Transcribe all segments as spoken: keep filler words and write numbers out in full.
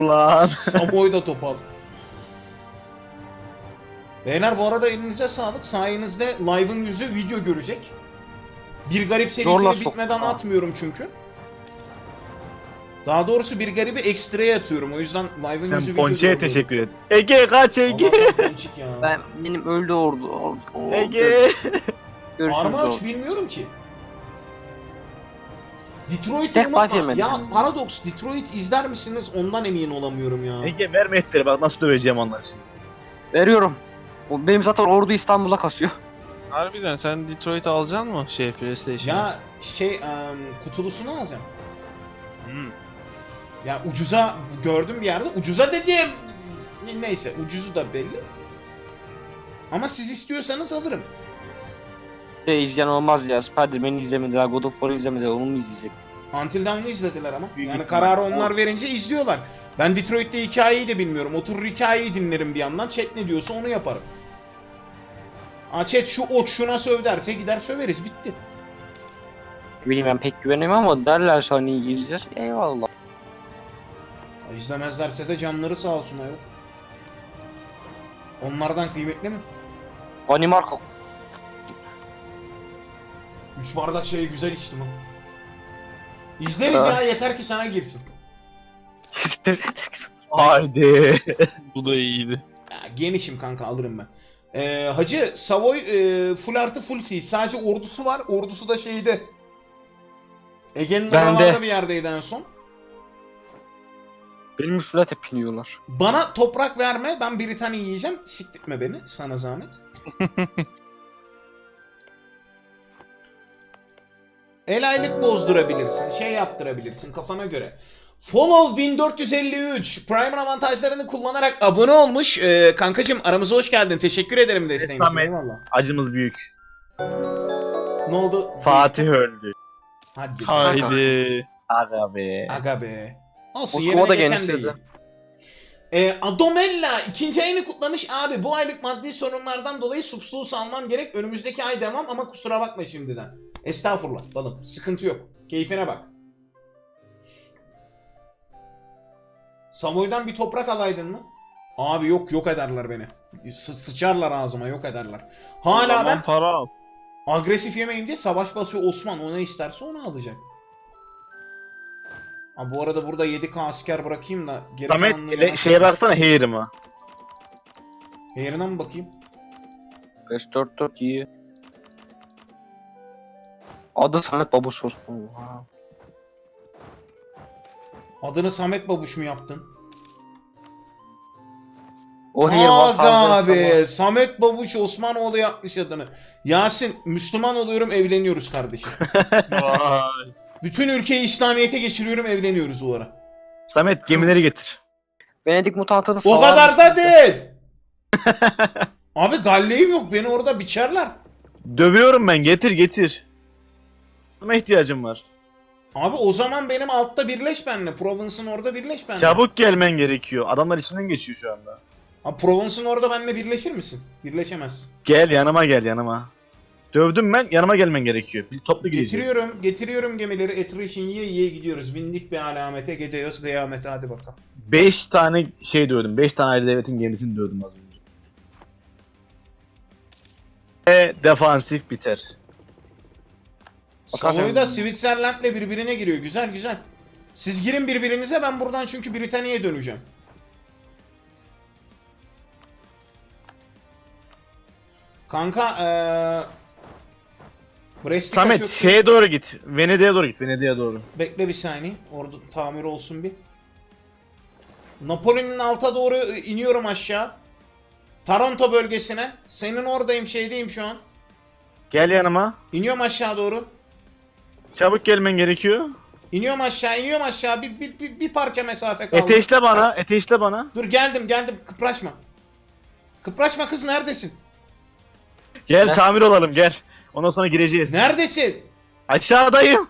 Lan. Samoy da topal. Beyler bu arada elinize sağlık. Sayenizde Live'ın yüzü video görecek. Bir Garip Zorla serisini sok- bitmeden Ha. atmıyorum çünkü. Daha doğrusu Bir Garip'i ekstraya atıyorum. O yüzden Live'ın Sen yüzü video Ponçe'ye görüyorum. teşekkür et. Ege kaç Ege. Allah'tan Ponçik ya. Ben benim öldü ordu. ordu, ordu. Ege. Görüşürüz Arma ordu. üç bilmiyorum ki. Detroit'i Stack unutma. Five yemedim. Ya Paradox, Detroit izler misiniz? Ondan emin olamıyorum ya. Ege verme etleri bak nasıl döveceğim onları şimdi. Veriyorum. O benim zaten ordu İstanbul'a kasıyor. Harbiden sen Detroit alacaksın mı şey PlayStation'a? Ya şey em, kutulusunu alacağım. Hmm. Ya ucuza gördüm bir yerde. Ucuza dediğim ne- neyse ucuzu da belli. Ama siz istiyorsanız alırım. Şey izleyen olmaz ya. Spider-Man'i izlemediler, God of War'ı izlemediler. Onu mu izleyecek? Until Dawn'u izlediler ama. Büyük Yani ihtimal. kararı onlar verince izliyorlar. Ben Detroit'te hikayeyi de bilmiyorum. Oturur hikayeyi dinlerim bir yandan. Chat ne diyorsa onu yaparım. Aa, chat şu ot şuna söv derse gider söveriz. Bitti. Bileyim ben pek güvenemiyorum ama derlerse hani izleyeceğiz. Eyvallah. Ya, İzlemezlerse de canları sağ olsun ayol. Onlardan kıymetli mi? Danimarka. Üç bardak şeyi güzel içtim ha. İzleriz ya yeter ki sana girsin. Haydi. Bu da iyiydi. Ya, genişim kanka alırım ben. Ee, Hacı Savoy e, full artı full seal. Sadece ordusu var. Ordusu da şeyde. Ege'nin Bende. oralarda bir yerdeydi en son. Benim üstüne tepiniyorlar. Bana toprak verme. Ben Britanya yiyeceğim. Siktirtme beni. Sana zahmet. El aylık bozdurabilirsin. Şey yaptırabilirsin kafana göre. Follow bin dört yüz elli üç Prime'ın avantajlarını kullanarak abone olmuş. Ee, kankacım aramıza hoş geldin. Teşekkür ederim desteğin için. Samet. Eyvallah. Acımız büyük. Ne oldu? Fatih öldü. Hadi. Haydi. Aga be. Aga be. Olsun Moskova yerine da geçen de genişledi. iyi. Ee, Adomella ikinci ayını kutlamış. Abi bu aylık maddi sorunlardan dolayı subsluğu almam gerek. Önümüzdeki ay devam ama kusura bakma şimdiden. Estağfurullah balım. Sıkıntı yok. Keyfine bak. Samoy'dan bir toprak alaydın mı? Abi yok yok ederler beni. Sı sıçarlar ağzıma yok ederler. O Hala zaman ben para al. agresif yemeyeyim diye savaş basıyor Osman. O ne isterse onu alacak. Ha, bu arada burada yedi K asker bırakayım da geri Samet kalanını ele, yana- şeye baksana Hair'ıma. Yerine mi bakayım? beş dört dört iyi. Adı Samet Babus Osman. Oha. Adını Samet Babuş mu yaptın? O hile var Aga fazla. abi. Samet Babuş Osmanoğlu yapmış adını. Yasin Müslüman oluyorum evleniyoruz kardeşim. Vay. Bütün ülkeyi İslamiyet'e geçiriyorum evleniyoruz o ara. Samet gemileri getir. Venedik mutantını O salar kadar da mısın? değil. Abi galleyim yok beni orada biçerler. Dövüyorum ben getir getir. Buna ihtiyacım var. Abi o zaman benim altta birleş benimle. Provence'ın orada birleş benimle. Çabuk gelmen gerekiyor. Adamlar içinden geçiyor şu anda. Abi Provence'ın orada benimle birleşir misin? Birleşemezsin. Gel yanıma gel yanıma. Dövdüm ben yanıma gelmen gerekiyor. Bir toplu gideceğiz. Getiriyorum, getiriyorum gemileri. Attrition yiye yiye gidiyoruz. Bindik bir alamete, gidiyoruz kıyamete hadi bakalım. beş tane şey dövdüm. beş tane ayrı devletin gemisini dövdüm az önce. Ve defansif biter. Bakarsan- Savoy da Switzerland'le birbirine giriyor. Güzel güzel. Siz girin birbirinize ben buradan çünkü Britanya'ya döneceğim. Kanka eee... Brest'e Samet kaçıyor- şeye doğru git. Venedik'e doğru git. Venedik'e doğru. Bekle bir saniye. Orada tamir olsun bir. Napoli'nin alta doğru iniyorum aşağı. Taranto bölgesine. Senin oradayım şeydeyim şu an. Gel yanıma. İniyorum aşağı doğru. Çabuk gelmen gerekiyor. İniyorum aşağı, iniyorum aşağı. Bir, bir, bir, bir parça mesafe kaldı. Eteşle bana. Eteşle bana. Dur geldim, geldim. Kıpraşma. Kıpraşma kız neredesin? Gel Ne? tamir olalım gel. Ondan sonra gireceğiz. Neredesin? Aşağıdayım.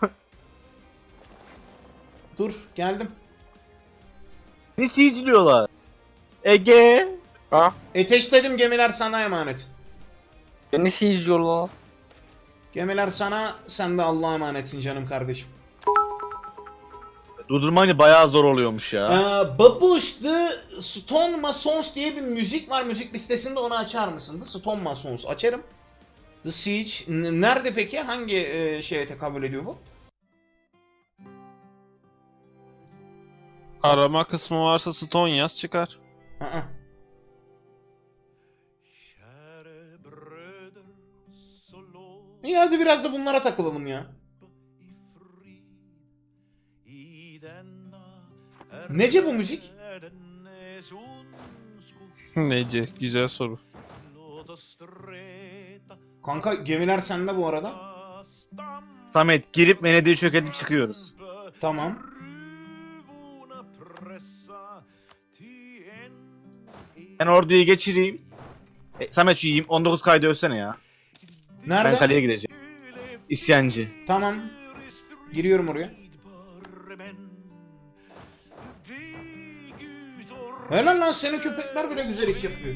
Dur, geldim. Ne siciliyorlar? Ege. Ha? Ateşledim gemiler sana emanet. Beni izliyorlar. Gemiler sana, sen de Allah'a emanetsin canım kardeşim. Durdurmayınca bayağı zor oluyormuş ya. Ee, Babuş The Stone Masons diye bir müzik var müzik listesinde, onu açar mısın? The Stone Masons açarım. The Siege. N- Nerede peki? Hangi e, şeye tekabül ediyor bu? Arama kısmı varsa Stone yaz çıkar. Aa. İyi hadi biraz da bunlara takılalım ya. Nece bu müzik? Nece? Güzel soru. Kanka gemiler sende bu arada. Samet girip Venedik'i çökertip çıkıyoruz. Tamam. Ben orduyu geçireyim. E, Samet şu yiyeyim. on dokuz kaydı ölsene ya. Nerede? Ben kaleye gideceğim. İsyancı. Tamam. Giriyorum oraya. Helal lan, senin köpekler bile güzel iş yapıyor.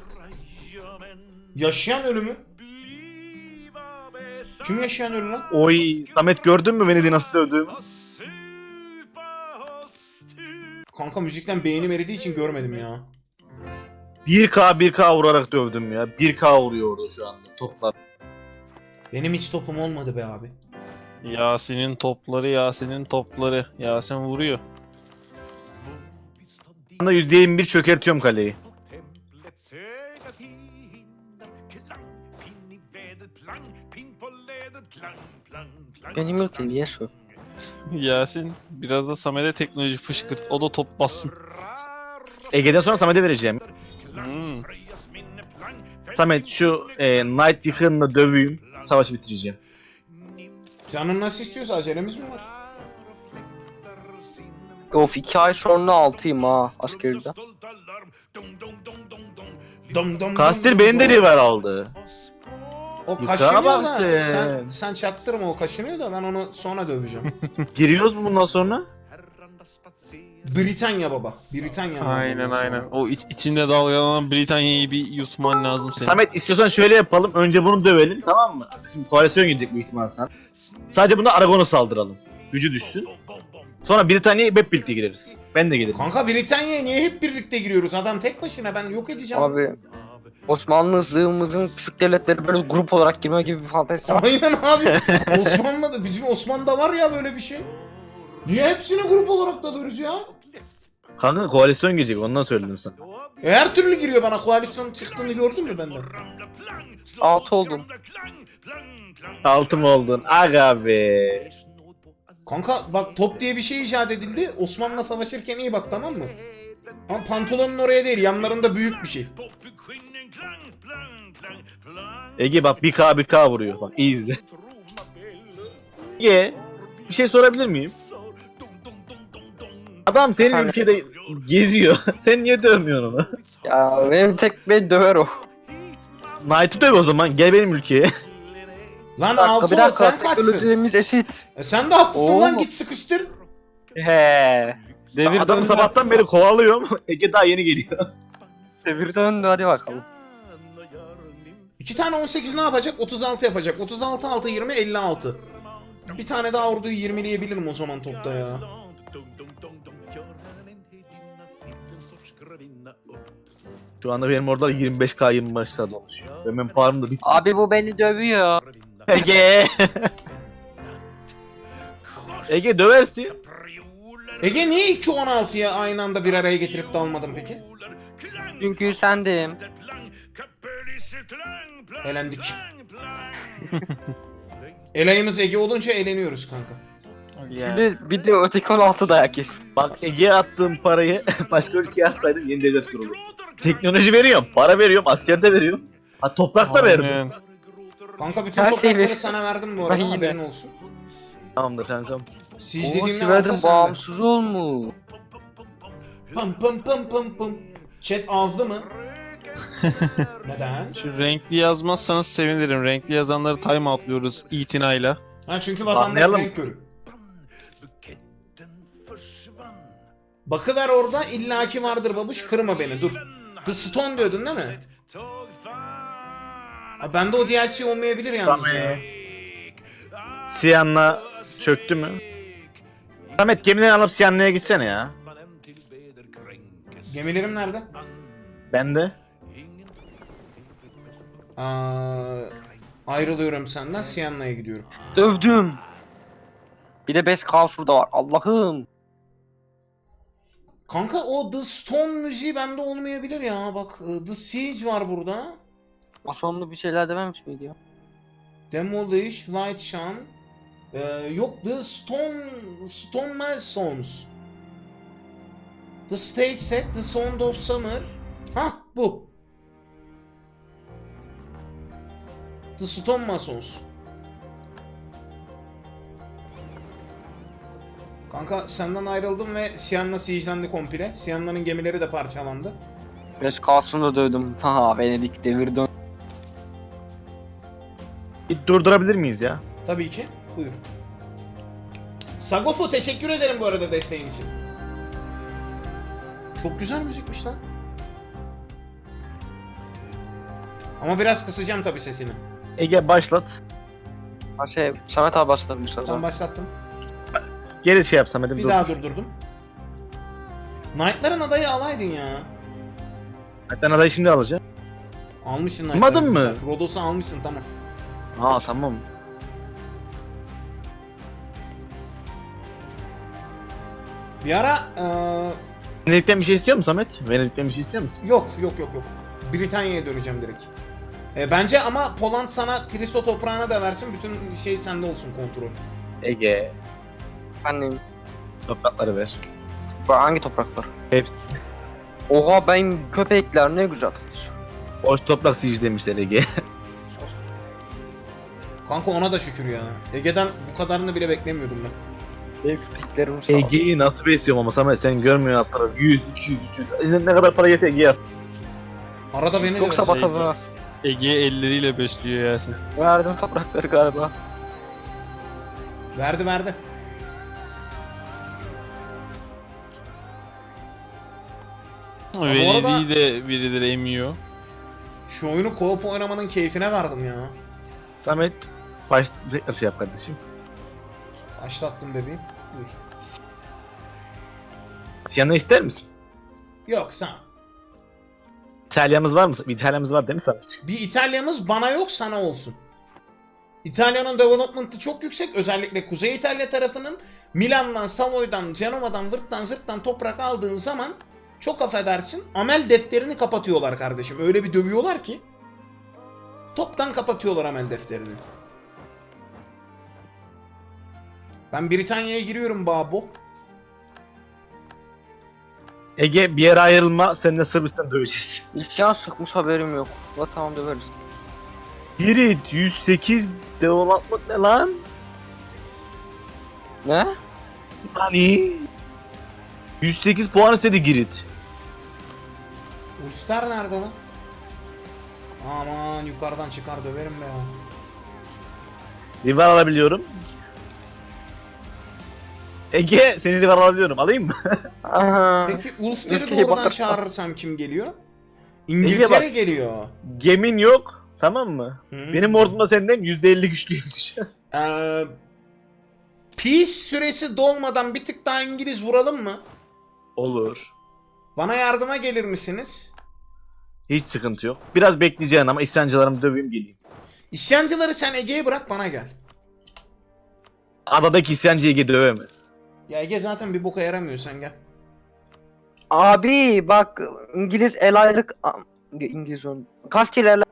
Yaşayan ölümü. Kim yaşayan ölü lan? Oy. Samet gördün mü Venedik'i nasıl dövdüğümü? Kanka müzikten beynim eridiği için görmedim ya. bir K bir K vurarak dövdüm ya. bir K vuruyor orada şu anda toplar. Benim hiç topum olmadı be abi. Yasin'in topları, Yasin'in topları. Yasin vuruyor. Şu anda yüzde yirmi bir çökertiyorum kaleyi. Benim ülkem niye şu? Yasin biraz da Samet'e teknoloji fışkırt. O da top bassın. Ege'den sonra Samet'e vereceğim. Hmm. Samet şu e, Knight yıkığınla döveyim. Savaşı bitireceğim. Canın nasıl istiyorsa, acelemiz mi var? Of iki ay sonra altıyım ha askeride. Dom dom Kastil dom benim dom. de river aldı. O Yukarı kaşınıyor bak da sen. sen, sen çaktırma, o kaşınıyor da ben onu sonra döveceğim. Giriyoruz mu bundan sonra? Britanya baba. Britanya. Aynen bundan aynen. sonra. O iç, içinde dalgalanan Britanya'yı bir yutman lazım senin. Samet istiyorsan şöyle yapalım. Önce bunu dövelim, tamam mı? Şimdi koalisyon gelecek büyük ihtimal sen. Sadece bunda Aragon'a saldıralım. Gücü düşsün. Sonra Britanya'ya hep birlikte gireriz. Ben de gelirim. Kanka Britanya'ya niye hep birlikte giriyoruz? Adam tek başına, ben yok edeceğim. Abi Osmanlı zığımızın küçük devletleri böyle grup olarak girme gibi bir fantezisi var. Aynen abi. Osmanlı'da, bizim Osmanlı'da var ya böyle bir şey. Niye hepsini grup olarak dalıyoruz ya? Kanka koalisyon gelecek, ondan söyledim sana. E, her türlü giriyor bana, koalisyon çıktığını gördün mü benden? Altı oldum. Altı mı oldun? Aga be. Kanka bak, top diye bir şey icat edildi. Osmanlı'la savaşırken iyi bak, tamam mı? Ama pantolonun oraya değil, yanlarında büyük bir şey. Ege bak bir K bir K vuruyor. Bak iyi izle. Ege bir şey sorabilir miyim? Adam senin Efendim? ülkede geziyor. Sen niye dövmüyorsun onu? Ya benim tek beni döver o. Knight'ı döv o zaman. Gel benim ülkeye. Lan Bir dakika altı bir ol, dakika sen kaçsın? teknolojilerimiz eşit. E sen de haklısın Oo. lan, git sıkıştır. He. Devir Adam döndü. sabahtan beri kovalıyorum. Ege daha yeni geliyor. Devir döndü hadi bakalım. İki tane on sekiz ne yapacak? otuz altı yapacak. otuz altı altı yirmi elli altı. Bir tane daha orduyu yirmileyebilirim o zaman topta ya. Şu anda benim orada yirmi beş K yirmi beşler dolaşıyor. Ve benim param da bitti. Abi bu beni dövüyor. Ege. Ege döversin. Ege niye iki on altıya aynı anda bir araya getirip dalmadın peki? Çünkü sendim. Elendik. Elayımız Ege olunca eğleniyoruz kanka. Şimdi bir de öteki on altı dayak yesin. Bak Ege'ye attığım parayı başka ülkeye atsaydım yeni devlet kurulur. Teknoloji veriyorum, para veriyorum, asker de veriyorum. Ha toprak da verdim. Aynen. Kanka bütün Her şeyi toprakları ver. sana verdim bu arada, Ay, haberin be. olsun. Tamamdır kankam. Siege Oo dediğim ne Siverdim varsa sende. bağımsız olmuş. Pım pım pım pım pım. Chat ağızlı mı? Neden? Şu renkli yazmazsanız sevinirim. Renkli yazanları time outlıyoruz itinayla. Ha çünkü vatandaş Anlayalım. renk körü. Bakıver orada, illaki vardır babuş, kırma beni dur. The Stone diyordun değil mi? Ha, bende o D L C olmayabilir yalnız Tamam. ya. Siyan'la çöktü mü? Samet gemileri alıp Siyanlı'ya gitsene ya. Gemilerim nerede? Ben de. Aa, ayrılıyorum senden. Sienna'ya gidiyorum. Dövdüm. Bir de Best Kaos şurada var. Allah'ım. Kanka o The Stone müziği bende olmayabilir ya. Bak The Siege var burada. O sonlu bir şeyler dememiş miydi ya? Demolish, Light Shine. Ee, yok The Stone, Stone Masons. The Stage Set, The Sound of Summer. Hah bu. The Stone Masons. Kanka senden ayrıldım ve Sienna siege'lendi komple. Sienna'nın gemileri de parçalandı. Best Kaos'unu da dövdüm. Ha Venedik devirdi. Bir durdurabilir miyiz ya? Tabii ki. Buyur. Sagofu teşekkür ederim bu arada desteğin için. Çok güzel müzikmiş lan. Ama biraz kısacağım tabii sesini. Ege başlat. Ha şey Samet abi başlatabilir Tam sonra. başlattım. Geri şey yap Samet'im. Bir dur. daha durdurdum. Knight'ların adayı alaydın ya. Hatta adayı şimdi alacağım. Almışsın Almadın Knight'ları. mı? Güzel. Rodos'u almışsın tamam. Aa tamam. Bir ara eee, Venedik'ten bir şey istiyor musun Samet? Venedik'ten bir şey istiyor musun? yok yok yok yok. Britanya'ya döneceğim direkt. E, bence ama Poland sana Triso toprağını da versin. Bütün şey sende olsun kontrol. Ege. Annem. Toprakları ver. Bu hangi topraklar? Hepsi. Oha ben köpekler ne güzel. Boş toprak siege demişler Ege. Kanka ona da şükür ya. Ege'den bu kadarını bile beklemiyordum ben. Benim köpeklerim sağ ol. Ege'yi nasıl besliyorum ama Samet sen görmüyorsun altları. yüz, iki yüz, üç yüz. Ne, ne kadar para gelse Ege'ye at. Arada beni de Yoksa versin. batazınız. Ege elleriyle besliyor Yasin. Verdim toprakları galiba. Verdi verdi. Venedik'i de birileri emiyor. Şu oyunu co-op oynamanın keyfine vardım ya. Samet baş tekrar şey yap kardeşim. Başlattım bebeğim. Buyur. Siyan'ı ister misin? Yok sen. İtalyamız var mı? Bir İtalyamız var değil mi Samet? Bir İtalya'mız bana yok sana olsun. İtalya'nın development'ı çok yüksek. Özellikle Kuzey İtalya tarafının Milan'dan, Savoy'dan, Cenova'dan, vırttan zırttan toprak aldığın zaman çok affedersin amel defterini kapatıyorlar kardeşim. Öyle bir dövüyorlar ki toptan kapatıyorlar amel defterini. Ben Britanya'ya giriyorum babo. Ege bir yere ayrılma, seninle Sırbistan döveceğiz. İsyan sıkmış haberim yok. La tamam döveriz. Girit yüz sekiz development ne lan? Ne? Hani? yüz sekiz puan istedi Girit. Ulster nerede lan? Aman yukarıdan çıkar döverim be ya. Rival alabiliyorum. Ege seni rival alabiliyorum. Alayım mı? Aha. Peki Ulster'i Ülkeye doğrudan bakar- çağırırsam kim geliyor? bak. İngiltere geliyor. Gemin yok. Tamam mı? Hmm. Benim ordum da senden yüzde elli güçlüymüş. Ee, peace süresi dolmadan bir tık daha İngiliz vuralım mı? Olur. Bana yardıma gelir misiniz? Hiç sıkıntı yok. Biraz bekleyeceksin ama isyancılarımı döveyim geleyim. İsyancıları sen Ege'ye bırak bana gel. Adadaki isyancı Ege dövemez. Ya Ege zaten bir boka yaramıyor sen gel. Abi bak İngiliz el aylık İngiliz ön. Kastilerle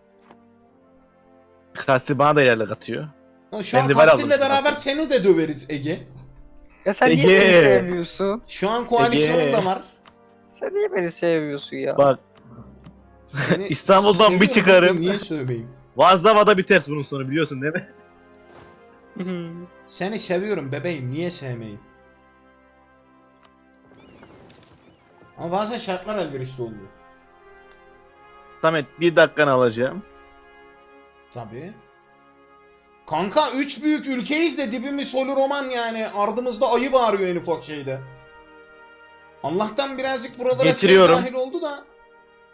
Kasti bana da yerle katıyor. Ha, Şu an Ben de var Kastil'le aldım beraber şimdi. seni de döveriz Ege. ya sen Ege. niye beni sevmiyorsun? Şu an koalisyonun Ege. da var. Sen niye beni sevmiyorsun ya? Bak Seni İstanbul'dan bir seviyorum, çıkarım. Niye sövmeyeyim? Vazdava'da biter bunun sonu biliyorsun değil mi? Seni seviyorum bebeğim niye sevmeyeyim? Ama bazen şartlar elverişli oluyor. Samet bir dakikanı alacağım. Tabii. Kanka üç büyük ülkeyiz de dibimiz solu roman yani. Ardımızda ayı bağırıyor en ufak şeyde. Allah'tan birazcık buralara Getiriyorum. şey dahil oldu da.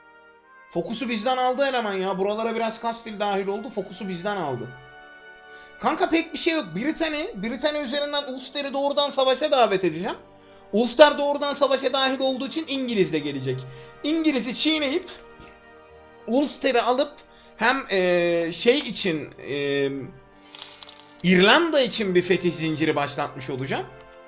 Fokusu bizden aldı eleman ya. Buralara biraz Kastil dahil oldu. Fokusu bizden aldı. Kanka pek bir şey yok. Britanya, Britanya üzerinden Ulster'i doğrudan savaşa davet edeceğim. Ulster doğrudan savaşa dahil olduğu için İngiliz de gelecek. İngiliz'i çiğneyip Ulster'i alıp hem eee, şey için eee, İrlanda için bir fetih zinciri başlatmış olacağım.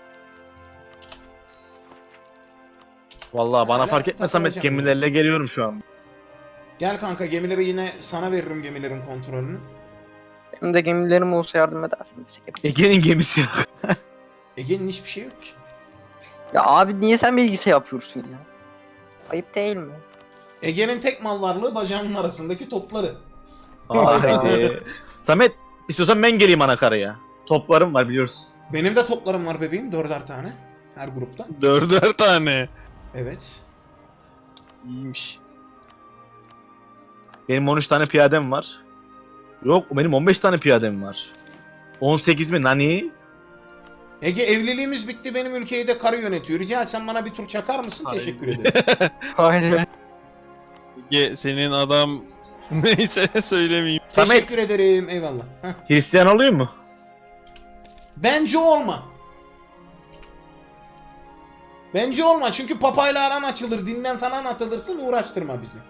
Vallahi bana Hala fark etme Samet, takılacağım. gemilerle geliyorum şu an. Gel kanka, gemileri yine sana veririm, gemilerin kontrolünü. Benim de gemilerim olsa yardım edersin. Ege'nin gemisi yok. Ege'nin hiçbir şey yok ki. Ya abi niye sen bilgisayar yapıyorsun ya? Ayıp değil mi? Ege'nin tek mal varlığı bacağının arasındaki topları. Haydi. Samet, istiyorsan ben geleyim anakaraya. Toplarım var biliyorsun. Benim de toplarım var bebeğim, dörder tane. Her grupta. Dörder tane. Evet. İyiymiş. Benim on üç tane piyadem var. Yok, benim on beş tane piyadem var. on sekiz mi nani? Ege, evliliğimiz bitti, benim ülkeyi de karı yönetiyor. Rica etsem bana bir tur çakar mısın? Hayır. Teşekkür ederim. Aynen. Ge senin adam neyse söylemeyeyim. Samet, Teşekkür ederim, eyvallah. Heh. Hristiyan oluyor mu? Bence olma. Bence olma, çünkü papayla aran açılır, dinden falan atılırsın, uğraştırma bizi.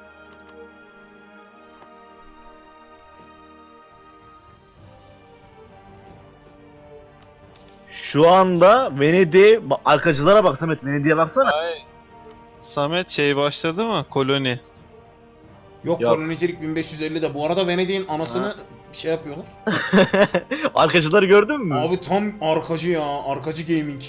Şu anda Venedik, ba- arkacılara bak Samet, Venedik'e baksana. Ay. Samet şey başladı mı? Koloni. Yok, Yok. kolonicilik bin beş yüz ellide. Bu arada Venedik'in anasını Ha. şey yapıyorlar. Arkacıları gördün mü? Abi tam arkacı ya, arkacı gaming.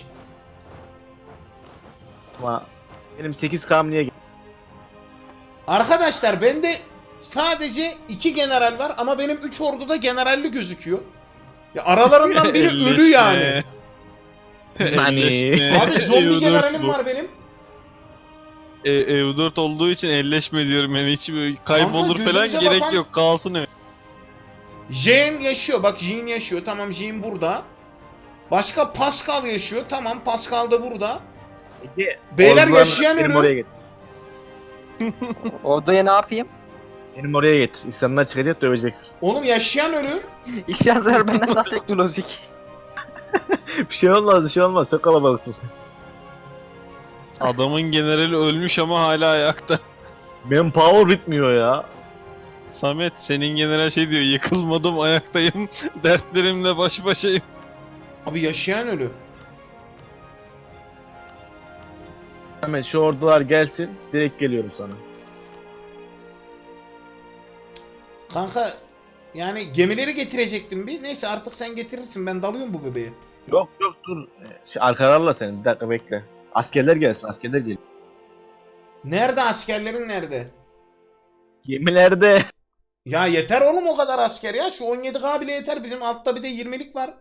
Ama benim sekiz K'm niye Arkadaşlar bende sadece iki general var ama benim üç orduda generalli gözüküyor. Ya aralarından biri ölü Elleşme. yani. Nani? Elleşme. Abi zombi E U dört generalim bu. var benim. E, E U dört olduğu için elleşme diyorum yani, hiç böyle kaybolur Kanka, falan gözünüze gerek bakan- yok, kalsın öyle. Jean yaşıyor, bak Jean yaşıyor, tamam Jean burada. Başka Pascal yaşıyor, tamam Pascal da burada. Ege, Beyler ordularını yaşayan benim ölü. oraya getir. Odaya ne yapayım? Benim oraya getir. İslam'dan çıkacak, döveceksin. Oğlum yaşayan ölü. İşler benden daha teknolojik. Bir şey olmaz, bir şey olmaz. Çok kalabalıksın sen. Adamın generali ölmüş ama hala ayakta. Benim power bitmiyor ya. Samet senin general şey diyor, yıkılmadım ayaktayım, dertlerimle baş başayım. Abi yaşayan ölü. Hemen şu ordular gelsin, direkt geliyorum sana. Kanka yani gemileri getirecektim bir. Neyse artık sen getirirsin, ben dalıyorum bu bebeğe. Yok yok dur. Ee, Şey, arkalarla seni, bir dakika bekle. Askerler gelsin, askerler geliyor. Nerede askerlerin, nerede? Gemilerde. Ya yeter oğlum o kadar asker ya. Şu on yedi K bile yeter. Bizim altta bir de yirmilik var.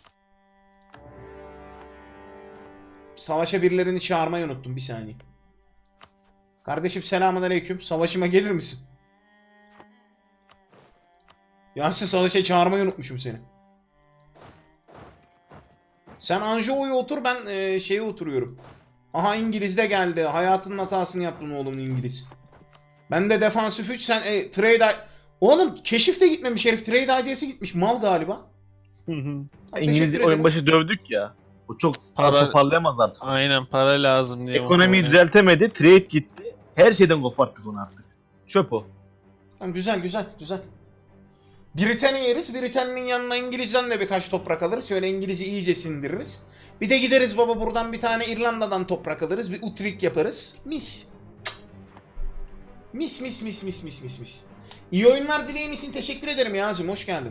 Savaşa birilerini çağırmayı unuttum, bir saniye. Kardeşim selamünaleyküm. Savaşıma gelir misin? Yasin, savaşa çağırmayı unutmuşum seni. Sen Anjou'ya otur, ben e, şeye oturuyorum. Aha, İngiliz de geldi. Hayatının hatasını yaptın oğlum İngiliz. Ben de defansif üç, sen e, trade... Oğlum keşif de gitmemiş herif. Trade I D'si gitmiş. Mal galiba. Ha, İngiliz teşekkür ederim. oyun başı dövdük ya. Bu çok sağ Para- toparlayamaz artık. Aynen, para lazım diye. Ekonomiyi muhtemelen. düzeltemedi, trade gitti. Her şeyden koparttık onu artık. Çöp o. Tamam, güzel güzel güzel. Britanya yeriz. Britanya'nın yanına İngiliz'den de birkaç toprak alırız. Şöyle İngiliz'i iyice sindiririz. Bir de gideriz baba, buradan bir tane İrlanda'dan toprak alırız. Bir Utrecht yaparız. Mis. Mis mis mis mis mis mis mis. İyi oyunlar dileğin için teşekkür ederim Yazım. Hoş geldin.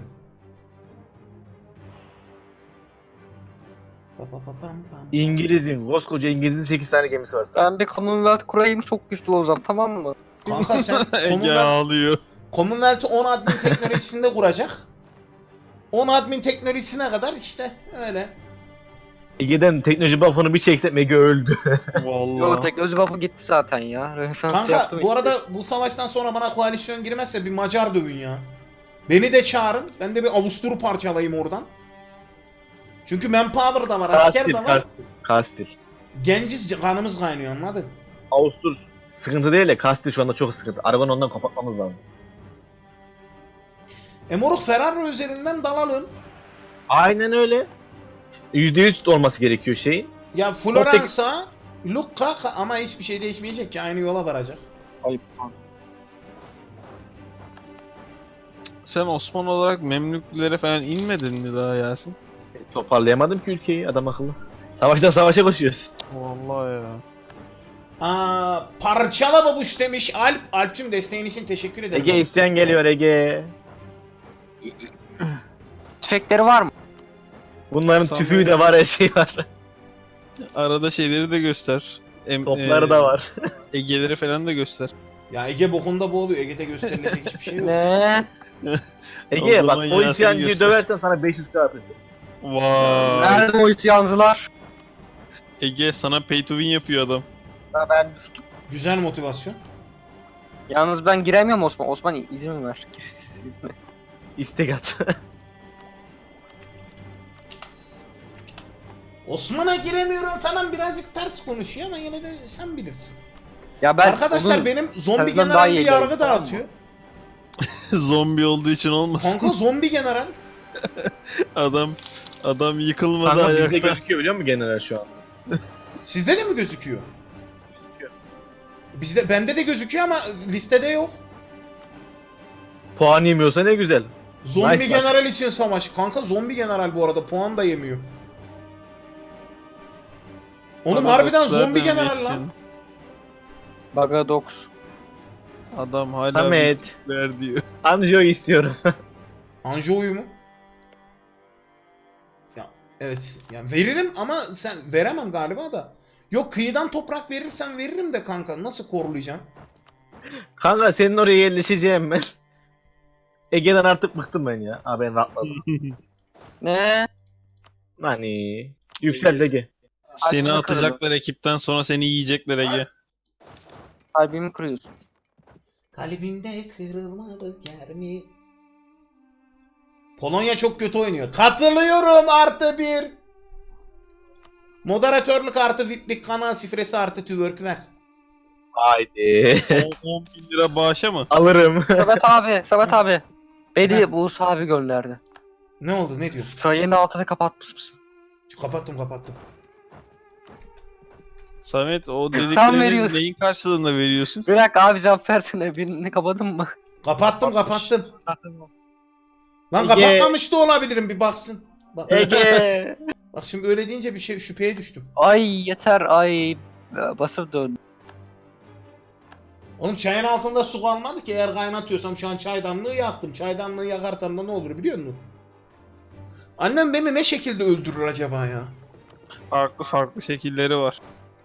Pa pa pa pam pam. İngiliz'in, koskoca İngiliz'in sekiz tane gemisi var. Ben bir Commonwealth kurayım, çok güçlü olacağım, tamam mı? Kanka sen Ege Commonwealth, ağlıyor. Commonwealth'ı on admin teknolojisinde kuracak. on admin teknolojisine kadar işte öyle. Ege'den teknoloji buff'ını bir çeksek Ege öldü. Yo, Vallahi. teknoloji buff'ı gitti zaten ya. Rönesans Kanka yaptım bu işte. arada bu savaştan sonra bana koalisyon girmezse bir Macar dövün ya. Beni de çağırın. Ben de bir Avustur'u parçalayayım oradan. Çünkü manpower da var, asker Kastil, de var. Kastil. Kastil. Genciz, kanımız kaynıyor, anladın? Avustur sıkıntı değil de Kastil şu anda çok sıkıntı. Arabanı ondan kapatmamız lazım. E moruk, Ferrari üzerinden dalalım. Aynen öyle. yüzde yüz olması gerekiyor şeyin. Ya Floransa, Lucca ama hiçbir şey değişmeyecek ki aynı yola varacak. Ayıp. Sen Osmanlı olarak Memlüklere falan inmedin mi daha Yasin? Toparlayamadım ki ülkeyi adam akıllı. Savaştan savaşa koşuyoruz. Vallahi ya. Aa, parçala babuş demiş Alp. Alp'cüm desteğin için teşekkür ederim. Ege isteyen geliyor Ege. Tüfekleri var mı? Bunların Sanmıyorum. tüfüğü de var, her şey var. Arada şeyleri de göster. Em, Topları e, da var. Egeleri falan da göster. Ya Ege bokunda boğuluyor. Ege'de gösterilecek hiçbir şey yok. Ne? Ege O bak zaman o Yasin'i isyancıyı göster. döversen sana beş yüz k atacağım. Vay. Nerede o isyancılar? Ege sana pay to win yapıyor adam. Ha, ben düştüm. Güzel motivasyon. Yalnız ben giremiyorum Osman. Osman izin ver. İzin. İstek at. Osman'a giremiyorum falan birazcık ters konuşuyor ama yine de sen bilirsin. Ya ben Arkadaşlar onun- benim zombi senden daha general bir iyi yargı geldi, tamam mı? dağıtıyor. Zombi olduğu için olmasın. Kanka zombi general. Adam adam yıkılmadı Kanka bizde ayakta. gözüküyor biliyor musun general şu an? Sizde de mi gözüküyor? Bizde bende de gözüküyor ama listede yok. Puan yemiyorsa ne güzel. Zombi Nice bak. general için savaş. Kanka zombi general bu arada puan da yemiyor. Oğlum Bana harbiden dokuz zombi zaten general geçin. lan. Bagadox. Adam hala Samet. ver diyor. Anjo'yu istiyorum. Anjo'yu mu? Ya evet. Ya veririm ama sen veremem galiba da. Yok kıyıdan toprak verirsen veririm de kanka nasıl korulayacağım? Kanka senin oraya yerleşeceğim ben. Ege'den artık bıktım ben ya. Aa ben rahatladım. Ne? Hani yüksel Ege. Seni Kalbimi atacaklar ekipten sonra seni yiyecekler Ege. Kalbimi kırıyorsun. Kalbimde kırılmadık yer mi? Polonya çok kötü oynuyor. Katılıyorum artı bir. Moderatörlük artı V I P'lik kanal şifresi artı twerk ver. Haydi. on bin lira bağışa mı? Alırım. Samet abi, Samet abi. Beni Buğuz abi gönderdi. Ne oldu ne diyor? Sayının altını kapatmış mısın? Kapattım kapattım. Samet o Tam dediklerini veriyorsun. neyin karşılığında veriyorsun? Bir dakika abi cevap versene. Birini kapadın mı? Kapattım kapattım. Lan Ege. kapatmamış da olabilirim bir baksın. Bak, Ege. bak şimdi öyle deyince bir şey şüpheye düştüm. Ay yeter ay. Basıp dön. Oğlum çayın altında su kalmadı ki eğer kaynatıyorsam şu an çaydanlığı yaktım. Çaydanlığı yakarsam da ne olur biliyor musun? Annem beni ne şekilde öldürür acaba ya? Farklı farklı şekilleri var.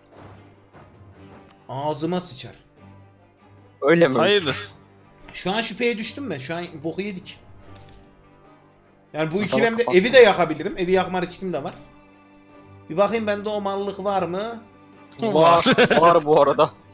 Ağzıma sıçar. Öyle mi? Hayırlısı. Şu an şüpheye düştüm ben. Şu an boku yedik. Yani bu Tamam, ikilemde kapat. evi de yakabilirim. Evi yakma riskim de var. Bir bakayım bende o mallık var mı? Var. Var bu arada.